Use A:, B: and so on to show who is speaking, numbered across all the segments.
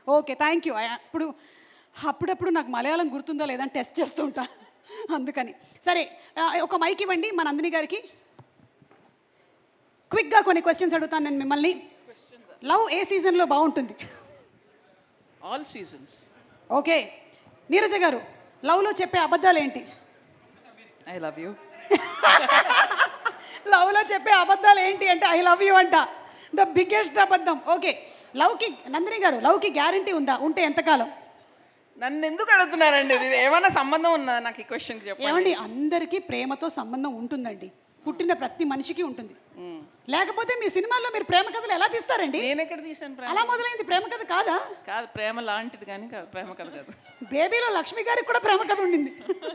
A: Okay, thank you. ఇప్పుడు అప్పుడప్పుడు నాకు మలయాళం గుర్తుందో లేదని టెస్ట్ చేస్తూ ఉంటా, అందుకని. సరే, ఒక మైక్ ఇవ్వండి మా నందిని గారికి. క్విక్గా కొన్ని క్వశ్చన్స్ అడుగుతాను నేను మిమ్మల్ని. లవ్ ఏ సీజన్లో బాగుంటుంది?
B: All seasons.
A: ఓకే, నీరజ గారు, లవ్లో చెప్పే అబద్ధాలు ఏంటి?
C: I love you.
A: లవ్లో చెప్పే అబద్ధాలు ఏంటి అంటే ఐ లవ్ యూ అంట, ద బిగ్గెస్ట్ అబద్ధం. ఓకే, లవ్కి, నందిని గారు, లవ్కి గ్యారంటీ ఉందా? ఉంటే ఎంతకాలం?
B: నన్ను ఎందుకు అడుగుతున్నారండి? ఇది ఏమైనా సంబంధం ఉందా నాకు ఈ క్వశ్చన్కి? చెప్పండి.
A: ఏమండి, అందరికీ ప్రేమతో సంబంధం ఉంటుందండి, పుట్టిన ప్రతి మనిషికి ఉంటుంది. లేకపోతే మీ సినిమాల్లో మీరు ప్రేమ కథలు ఎలా తీస్తారండి?
B: నేను ఎక్కడ తీసాను ప్రేమ?
A: అలా మొదలైంది ప్రేమ కథ కాదా?
B: కాదు, ప్రేమ లాంటిది కానీ కాదు, ప్రేమ కథ కాదు.
A: బేబీలో లక్ష్మి గారికి కూడా ప్రేమ కథ ఉండింది.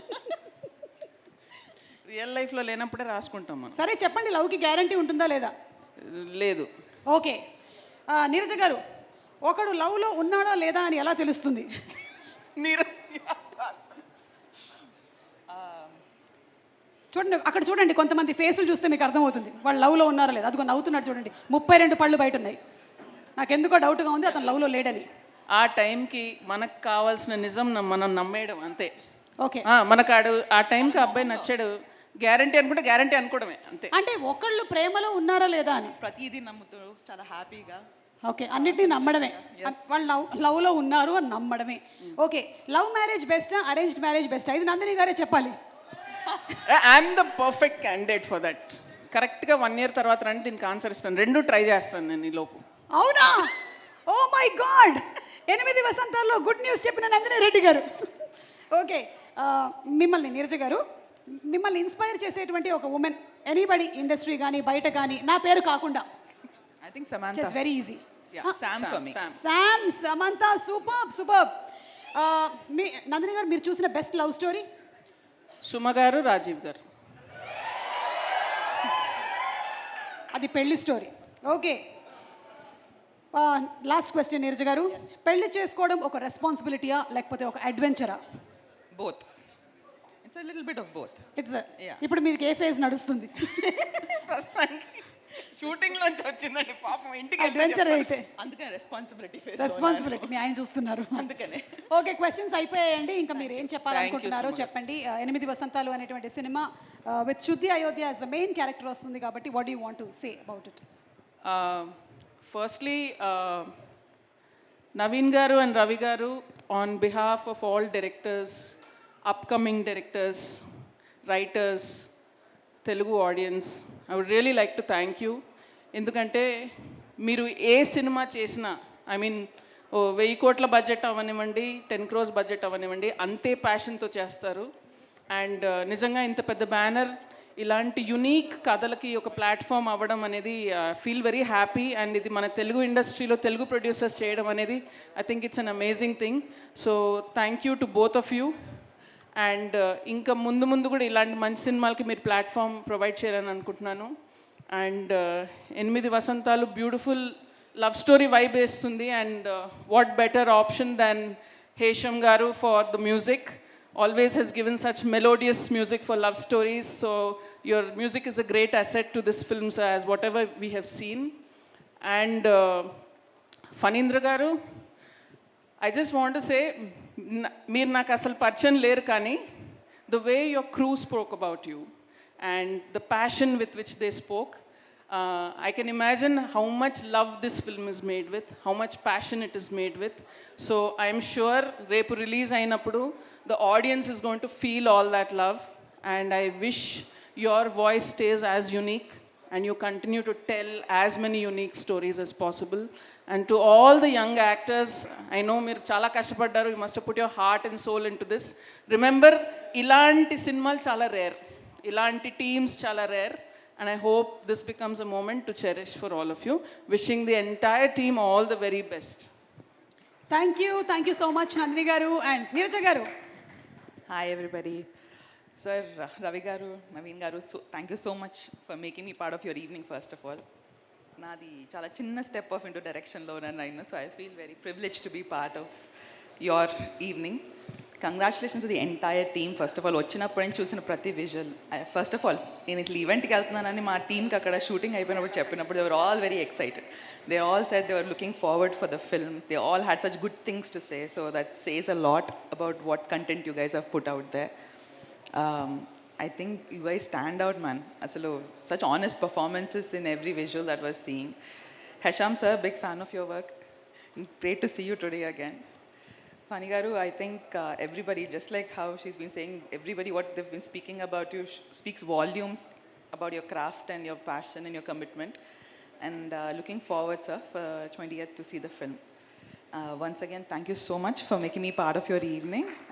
B: రియల్ లైఫ్లో లేనప్పుడే రాసుకుంటాం మనం.
A: సరే చెప్పండి, లవ్కి గ్యారంటీ ఉంటుందా లేదా?
B: లేదు.
A: ఓకే, నీరజ గారు, ఒకడు లవ్లో ఉన్నాడా లేదా అని ఎలా తెలుస్తుంది?
B: మీరు
A: చూడండి, అక్కడ చూడండి, కొంతమంది ఫేసులు చూస్తే మీకు అర్థమవుతుంది వాళ్ళు లవ్లో ఉన్నారా లేదా. అదిగో నవ్వుతున్నాడు చూడండి, 32 పళ్ళు బయట ఉన్నాయి. నాకు ఎందుకో డౌట్గా ఉంది అతను లవ్లో లేడని.
B: ఆ టైంకి మనకు కావాల్సిన నిజం మనం నమ్మేయడం అంతే.
A: ఓకే,
B: మనకు ఆ టైంకి అబ్బాయి నచ్చాడు, గ్యారంటీ అనుకుంటే గ్యారంటీ అనుకోవడమే అంతే.
A: అంటే ఒకళ్ళు ప్రేమలో ఉన్నారా లేదా అని
C: ప్రతిదీ నమ్ముతూ చాలా హ్యాపీగా.
A: ఓకే, అన్నిటినీ నమ్మడమే, వాళ్ళు లవ్లో ఉన్నారు అని నమ్మడమే. ఓకే, లవ్ మ్యారేజ్ బెస్టా, అరేంజ్డ్ మ్యారేజ్ బెస్టా? ఇది నందిని గారే చెప్పాలి.
B: I'm the perfect candidate for that. కరెక్ట్గా 1 year తర్వాత రండి, దీనికి ఆన్సర్ ఇస్తాను. 2 ట్రై చేస్తాను నేను ఈ లోపు.
A: అవునా? ఓ మై గాడ్, 8 వసంతాల్లో గుడ్ న్యూస్ చెప్పిన నందిని రెడ్డి గారు. ఓకే, మిమ్మల్ని, నీరజ గారు, మిమ్మల్ని ఇన్స్పైర్ చేసేటువంటి ఒక ఉమెన్, ఎనీబడి, ఇండస్ట్రీ కానీ బయట కానీ, నా పేరు కాకుండా.
C: I think Samantha.
A: It's very easy.
C: Sam for me.
A: Sam, Samantha, super super. మీ నందిని గారు, మీరు చూసిన బెస్ట్ లవ్ స్టోరీ?
B: సుమ గారు, రాజీవ్ గారు.
A: అది పెళ్లి story. Okay, last question Neeraja garu, పెళ్లి చేసుకోవడం ఒక రెస్పాన్సిబిలిటీయా లేకపోతే ఒక అడ్వెంచరా?
C: Both. It's a little bit of both.
A: It's.
C: Yeah.
A: ఇప్పుడు మీకు ఏ ఫేజ్ నడుస్తుంది?
B: షూటింగ్ లోంచి వచ్చిందండి పాపం, ఇంటికి
A: అడ్వెంచర్ అయితే.
C: అందుకనే రెస్పాన్సిబిలిటీ ఫేస్.
A: రెస్పాన్సిబిలిటీ మీ ఆయన చూస్తున్నారు.
C: అందుకనే.
A: ఓకే, క్వశ్చన్స్ అయిపోయాయండి. ఇంకా మీరు ఏం చెప్పాలనుకుంటున్నారో చెప్పండి. 8 వసంతాలు అనేటువంటి cinema with Shruti Ayodhya as the main character వస్తుంది కాబట్టి what do you want to say about it?
B: Firstly, Naveen garu and Ravi garu, on behalf of all directors, upcoming directors, writers, Telugu audience, I would really like to thank you. ఎందుకంటే మీరు ఏ cinema చేసినా, I mean 1000 కోట్ల budget అవ్వనివ్వండి, 10 crores budget అవ్వనివ్వండి, అంతే ప్యాషన్తో చేస్తారు. And నిజంగా ఇంత పెద్ద బ్యానర్ ఇలాంటి యునీక్ కథలకి ఒక ప్లాట్ఫామ్ అవ్వడం అనేది ఫీల్ వెరీ హ్యాపీ. అండ్ ఇది మన తెలుగు ఇండస్ట్రీలో తెలుగు ప్రొడ్యూసర్స్ చేయడం అనేది I think it's an amazing thing. So thank you to both of you. And ఇంకా ముందు ముందు కూడా ఇలాంటి మంచి సినిమాలకి మీరు ప్లాట్ఫామ్ ప్రొవైడ్ చేయాలని అనుకుంటున్నాను. అండ్ 8 వసంతాలు బ్యూటిఫుల్ లవ్ స్టోరీ వైబ్ వేస్తుంది. And what better option than Hesham garu for the music. Always has given such melodious music for love stories. So your music is a great asset to this film, as whatever we have seen. And Fanindra garu, I just want to say, meer నాకు అసలు పరిచయం లేరు కానీ the way your crew spoke about you and the passion with which they spoke, I can imagine how much love this film is made with, how much passion it is made with. So I am sure repu release ayinappudu the audience is going to feel all that love, and I wish your voice stays as unique and you continue to tell as many unique stories as possible. And to all the young actors, I know మీరు చాలా కష్టపడ్డారు, you must have put your heart and soul into this. Remember, ఇలాంటి సినిమాలు చాలా rare, ఇలాంటి teams చాలా rare. And I hope this becomes a moment to cherish for all of you. Wishing the entire team all the very best.
A: Thank you so much Nandini garu and Neeraja garu.
C: Hi everybody. Sir, Ravi garu, Naveen garu, so thank you so much for making me part of your evening first of all. Nadi chala chinna step off into direction lo nanu, so I feel very privileged to be part of your evening. Congratulations to the entire team first of all. వచ్చినప్పటి నుంచి చూసిన ప్రతి visual, first of all నేను ఇట్లా ఈవెంట్కి వెళ్తున్నానని మా టీంకి అక్కడ షూటింగ్ అయిపోయినప్పుడు చెప్పినప్పుడు they were all very excited. They all said they were looking forward for the film. They all had such good things to say. So that says a lot about what content you guys have put out there. I think you guys stand out, man. Asalu, such honest performances in every visual that was seeing. Hesham sir, big fan of your work. Great to see you today again. Fani garu, I think everybody, just like how she's been saying, everybody what they've been speaking about you speaks volumes about your craft and your passion and your commitment. And looking forward, sir, for 20th to see the film. Once again, thank you so much for making me part of your evening.